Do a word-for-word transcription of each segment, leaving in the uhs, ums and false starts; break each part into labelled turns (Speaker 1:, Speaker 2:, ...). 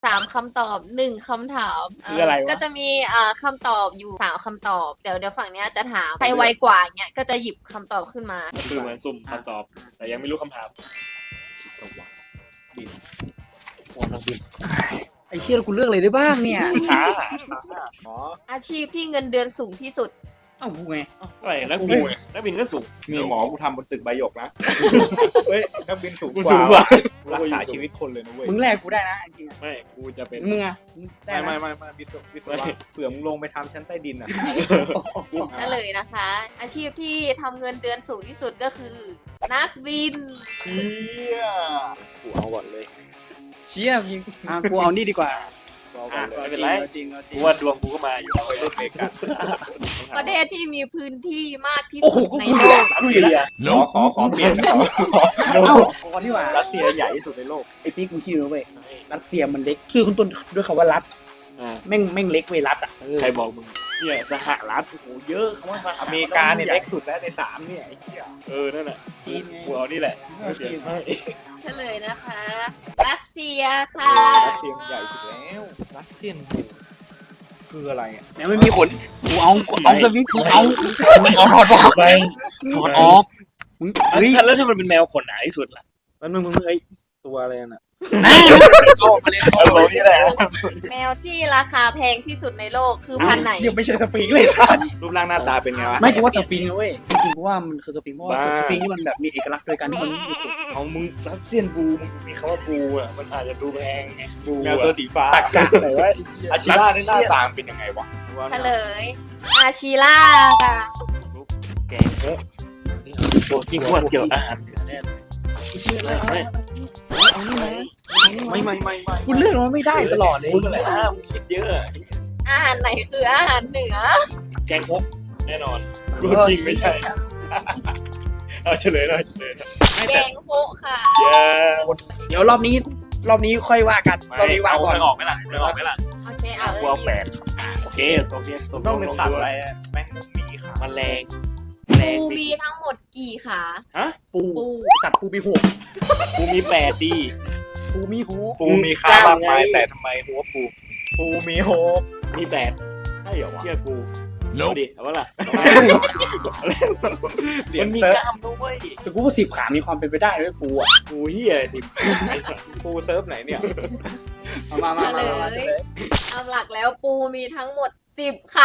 Speaker 1: สามคำตอบหนึ่งคำถาม
Speaker 2: คืออะไรวะ
Speaker 1: ก็จะมีอ่าคำตอบอยู่สามคำตอบเดี๋ยวเดี๋ยวฝั่งเนี้ยจะถามใครไวกว่าเงี้ยก็จะหยิบคำตอบขึ้นมา
Speaker 2: ก็คือเหมือนสุ่มคำตอบ แต่ยังไม่รู้คำถามบินโอ้นักบิน
Speaker 3: ไอ้เชี่ยกูเลือกอะไรได้บ้างเนี่ย
Speaker 2: ช้าช้าอ๋อ
Speaker 1: อาชีพที่เงินเดือนสูงที่สุด
Speaker 3: เอ้ากูไง
Speaker 2: อะไรนักบินนักบินก็สูง
Speaker 4: มีหมอกูทำบนตึกใบหยกนะ เฮ้ยนักบินสูง
Speaker 2: กู
Speaker 4: ก
Speaker 2: สู
Speaker 4: ว่าง
Speaker 2: กว่า
Speaker 4: รักษาชีวิตคนเลยนะเว้ย
Speaker 3: มึงแลกกูได้นะจริง
Speaker 2: ไม่กูจะเป็น
Speaker 3: ๆมึงอะได้
Speaker 4: ไม่
Speaker 3: นะ
Speaker 4: ไม่ไม่ไม่วิศววิศวะเผื่อมึงลงไปทำชั้นใต้ดินอ่ะ
Speaker 1: เฉลยนะคะ อาชีพที่ทำเงินเดือนสูงที่สุดก็คือ นักบิน
Speaker 4: เชี่ยกูเอาก่อนเลย
Speaker 3: เชี่ยยิงอ่ะกูเอานี่ดีกว่า
Speaker 4: เอาก่อนเลย
Speaker 2: ไม่เป็นไร
Speaker 3: เอาจริงเอาจริ
Speaker 2: กู
Speaker 3: ง
Speaker 2: ว่าดวงกูก็มาอยู่
Speaker 4: ไปเล่นเมกัน
Speaker 1: ประเทศที่มีพื้นที่มากที่
Speaker 3: โอ้โห
Speaker 1: สุด
Speaker 3: กู
Speaker 1: ใน
Speaker 3: กู
Speaker 1: โล
Speaker 3: อยู่แล้ว
Speaker 1: ก
Speaker 3: กูอยู่แล้ว
Speaker 4: ขอขอขอเปลี่ยนนะขอขอ
Speaker 3: เอ้าก่อนที่ว่า
Speaker 4: รัสเซียใหญ่ที่สุดในโลก
Speaker 3: ไอ้ปิ๊กมึงคิดดูเว้ยรัสเซียมันเล็กชื่อคุณต้นด้วยคำว่ารัฐ
Speaker 2: อ่า
Speaker 3: แม่งแม่งเล็กเว้ยรัฐอ่ะ
Speaker 2: ใครบอกมึงเนี่ยสหรัฐโอ้โหเยอะคำว่าสหรัฐ
Speaker 4: อเมริกาเนี่ยเล็กสุดแล้วในสามเนี่ยไอ้เหี้ย
Speaker 2: เออนั่นแหละ
Speaker 3: จีนไง
Speaker 2: กูเอานี่แหละไม่เสียไม่
Speaker 1: เฉลยนะคะ รัสเซียค่ะ
Speaker 4: รัสเซียมันใหญ่สุดแล้วรัสเซียนคืออะไรอ่ะ
Speaker 3: แม่งไม่มีขนกูเอากูเอาสวิตช์กูเอาเอาถอดออก
Speaker 2: ไป
Speaker 3: ถอดออกมึง
Speaker 2: เฮ้
Speaker 3: เฮ้
Speaker 2: ย
Speaker 3: ย
Speaker 2: แล้วถ้ามันเป็นแมวขนหนาที่สุดล่ะ
Speaker 4: มันมึงมึงมึงไอ้ตัวอะไรน่ะ
Speaker 3: เอาออกมาเลย
Speaker 2: เออนี่แหละ
Speaker 1: แมวที่ราคาแพงที่สุดในโลกคือพันธุ์ไหน
Speaker 3: ยังไม่ใช่สปริงเลยสัส
Speaker 4: รูปร่างหน้าตาเป็นไงวะ
Speaker 3: ไม่กูว่าสฟิงค์นะเว้ยจริงๆกูว่ามันคือสฟิงค์เพราะว่า
Speaker 2: บ้า
Speaker 3: สฟิงค์นี่มันแบบมีเอกลักษณ์โดยการที่มันไม่มีขน
Speaker 2: เอามึงรัสเซียนบูมึงมีคำว่าบูอ่ะมันอาจจะดูแพงไงบู
Speaker 4: แมวตัวสีฟ้า
Speaker 3: ตักกะไหนวะ
Speaker 4: อาชิล่าในหน้าตาเป็นยังไงวะ
Speaker 1: เฉลย อาชิล่าค่ะ
Speaker 2: แกงเยอะตัวที่ขวดเกี่ยวอาหารเหนือแน่ไม่
Speaker 3: เอานี่ไหม
Speaker 2: ไม่ไม่ไม่ไม่
Speaker 3: คุณเลือกมันไม่ได้ตลอดเลย
Speaker 2: มึงอะไรอ่ะมึงคิดเยอะ
Speaker 1: อาหารไหนคืออาหารเหนือ
Speaker 2: แกงคกแน่นอนกูจริงไม่ใช่เอาเฉลยหน่อยเฉลย
Speaker 1: แกงโฮะค่ะ
Speaker 2: เย้
Speaker 3: เดี๋ยวรอบนี้รอบนี้ค่อยว่ากันรอบนี้วางก่อน
Speaker 2: ไม่ออกไหมล่ะไม่ออกไหมล่ะ
Speaker 1: โอเคเอาเอ
Speaker 2: กู
Speaker 1: อ
Speaker 2: เอาแปดโอเคโอเค
Speaker 4: ต้องเป็นสัตว์อะไรอะแม่งมีขา
Speaker 2: มันแรง
Speaker 1: ปูมีทั้งหมดกี่ขา
Speaker 2: ฮะ
Speaker 3: ปู
Speaker 1: ปู
Speaker 3: สัตว์ปูมีหก
Speaker 2: กูมีแปดดี
Speaker 3: ปูมีหก
Speaker 4: ปูมีขาบางไม้แต่ทำไมหัวปูปูมีโฮป
Speaker 2: มีแปด
Speaker 4: ใช่เหรอวะ
Speaker 2: เชื่อกูเอาดิเอาวะล่ะ
Speaker 4: เหรีย
Speaker 2: มั
Speaker 4: ญ
Speaker 2: นมี
Speaker 4: เซิร์ฟ
Speaker 2: กล้ามด้วย
Speaker 3: แต่กูว่าสิบขามีความเป็นไปได้ด้วยปูอ่ะ
Speaker 2: กูเฮียสิบ
Speaker 4: ปูเซิร์ฟไหนเนี่ย
Speaker 3: เอามามามามา
Speaker 1: เฉลยตามหลักแล้วปูมีทั้งหมดสิบขา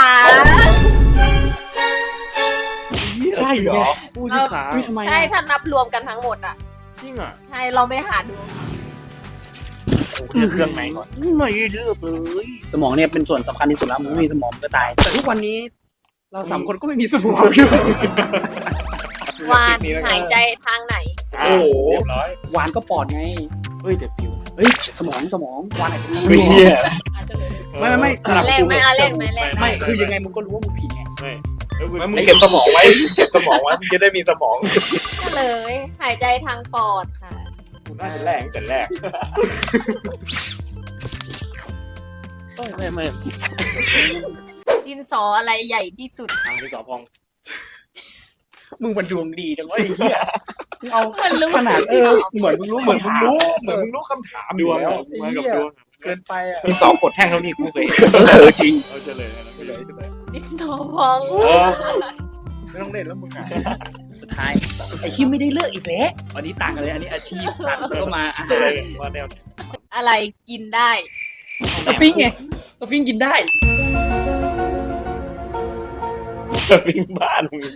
Speaker 4: ใช่เหรอ
Speaker 2: กูสิบขา
Speaker 3: เฮ้ยทำไม
Speaker 1: ใช่
Speaker 3: อ่ะ
Speaker 1: ถ้านับรวมกันทั้งหมดอ่ะ
Speaker 2: จริงอ่ะ
Speaker 1: ใช่เราไม่หาดู
Speaker 2: เลือกเครื่องไหนก่อนไม่เลือกเลย
Speaker 3: สมองเนี่ยเป็นส่วนสำคัญที่สุดแล้วมึงไม่มีสมองมึงก็ตาย แต่ทุกวันนี้เราสามคนก็ไม่มีสมองอยู่
Speaker 1: วานหายใจทางไหน
Speaker 2: โอ้โหเรียบร้อย
Speaker 3: วานก็ปอดไง
Speaker 2: เฮ้ยแต่ผิว
Speaker 3: เฮ้ยสมองสมองวานไหนก็
Speaker 2: เฮ้ยเฮีย
Speaker 3: ไม่ไม่ไม่สลับ
Speaker 1: แรก
Speaker 3: กู
Speaker 1: ไหมอ่ะแรกไหมแรกไหม
Speaker 3: ไม่คือยังไงมึงก็รู้ว่ามึงผิดไง
Speaker 2: ไม่แล้วกู
Speaker 4: มึงเก็บสมองไว้เก็บสมองไว้มึงจะได้มีสมอง
Speaker 1: เฉลยหายใจทางปอดค่ะ
Speaker 4: กูน่าจะแรกตั้งแต่แรก
Speaker 2: ไม่ไม่
Speaker 1: ดินสออะไรใหญ่ที่สุด
Speaker 2: ทางที่สอพอง
Speaker 3: มึงมันดวงดีจังวะไอ้เหี้ยมึงเอา
Speaker 1: มันรู้
Speaker 3: ขนาดเออเหมือนมึงรู้
Speaker 4: เหมือนมึงรู้เหมือนมึงรู้คำถาม
Speaker 2: ดวง
Speaker 4: แล้ว
Speaker 2: มากับดวง
Speaker 3: เกินไปอ่ะ
Speaker 4: มีสองกดแท่งเท่านี้กูเคย
Speaker 3: เออจริง
Speaker 2: เอาเฉลยนะเฉลยเฉลย
Speaker 1: ดินสอพอง
Speaker 4: ไม่ต้องเล่นแล้วมึงอ่ะ
Speaker 3: สุดท้ายไอ้คิมไม่ได้เลือกอีกแล้วอันนี้ต่างกันเลยอันนี้อาชีพสัตว์แล้วก็มาอา
Speaker 2: เฉ
Speaker 3: หา
Speaker 2: ล
Speaker 3: ร
Speaker 2: ยว่าแนว
Speaker 1: อะไรกินได้
Speaker 3: สฟิงค์ไงสฟิงค์กินได้
Speaker 2: วิ่งบ้านมึง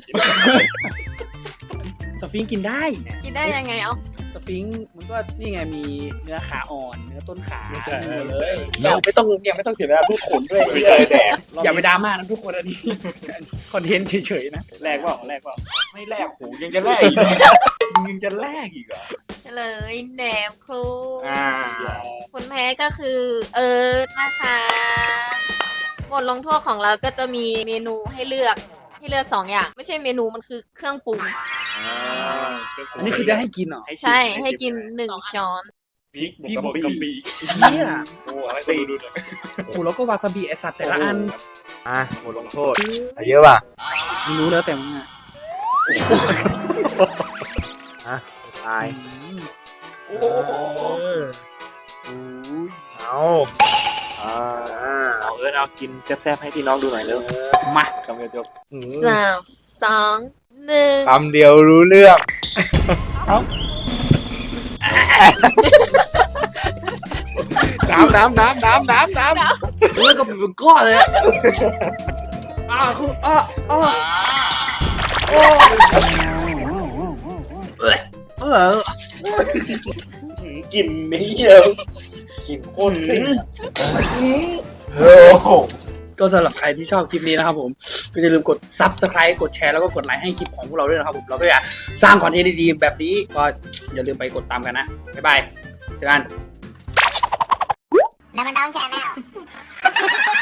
Speaker 3: สฟิงค์กินได้
Speaker 1: กินได้ยังไงเอา
Speaker 3: สฟิงค์มันก็นี่ไงมีเนื้อขาอ่อนเนื้อต้นขา
Speaker 2: ไม่ใช่
Speaker 3: หมดเลยเราไม่ต้องเนี่ยไม่ต้องเสียเวลาพูดขนด้วย
Speaker 4: ไม่เคยแดก
Speaker 3: อย่าไปดราม่านะทุกคนอันนี้คอนเทนต์เฉยๆนะ
Speaker 2: แรกเปล่าแรกเปล่า
Speaker 4: ไม่แลกหูยังจะแลกอีกเหรอมึงยังจะแลกอีกเหรอ
Speaker 1: เฉลยแหนมครู
Speaker 4: อ่า
Speaker 1: คนแพ้ก็คือ เอิร์ธนะคะบทลงโทษของเราก็จะมีเมนูให้เลือกให้เลือกสองอย่าง ไม่ใช่เมนูมันคือเครื่องปรุง
Speaker 3: อันนี้คือจะให้กินเหรอ
Speaker 1: ใช่ให้กินหนึ่งช้อน
Speaker 2: พริก
Speaker 3: พริก
Speaker 2: บวกกะปิ
Speaker 3: เนี่ย
Speaker 4: โอ้อะไร
Speaker 2: สี่ดูเลย
Speaker 3: โอ้โหแล้วก็วาซาบิไอสัตว์แต่ละอัน
Speaker 4: อ่ะบทลงโทษเยอะป่ะ
Speaker 3: ไม่รู้แล้วแต่มึงอ่ะ
Speaker 4: อ่ะตาย
Speaker 3: อืม
Speaker 2: โอ้
Speaker 4: เอออุ้ยเอาเอาอ่า
Speaker 2: เอาเอิร์ธเอากินแซ่บๆให้พี่น้องดูหน่อยเร็ว
Speaker 3: มา
Speaker 4: คำเดียวจบอืม
Speaker 1: สามสองหนึ่ง
Speaker 4: คำเดียวรู้เรื่องน้ำน้ำน้ำน้ำน้ำน้ำ
Speaker 3: เลือดก็เป็นก้อนเลยอะอ่าคืออ่าอ่าโอ้เออเออ
Speaker 2: กินไม่เยอะ
Speaker 4: กินโคตรซิ่ง
Speaker 2: โอ้โห
Speaker 3: ก็สำหรับใครที่ชอบคลิปนี้นะครับผมก็อย่าลืมกด ซับสไครบ์ กดแชร์แล้วก็กดไลค์ให้คลิปของพวกเราด้วยนะครับผมเราก็อยากสร้างคอนเทนต์ดีๆแบบนี้ก็อย่าลืมไปกดตามกันนะบ๊ายบายเจอกัน
Speaker 5: Never down channel.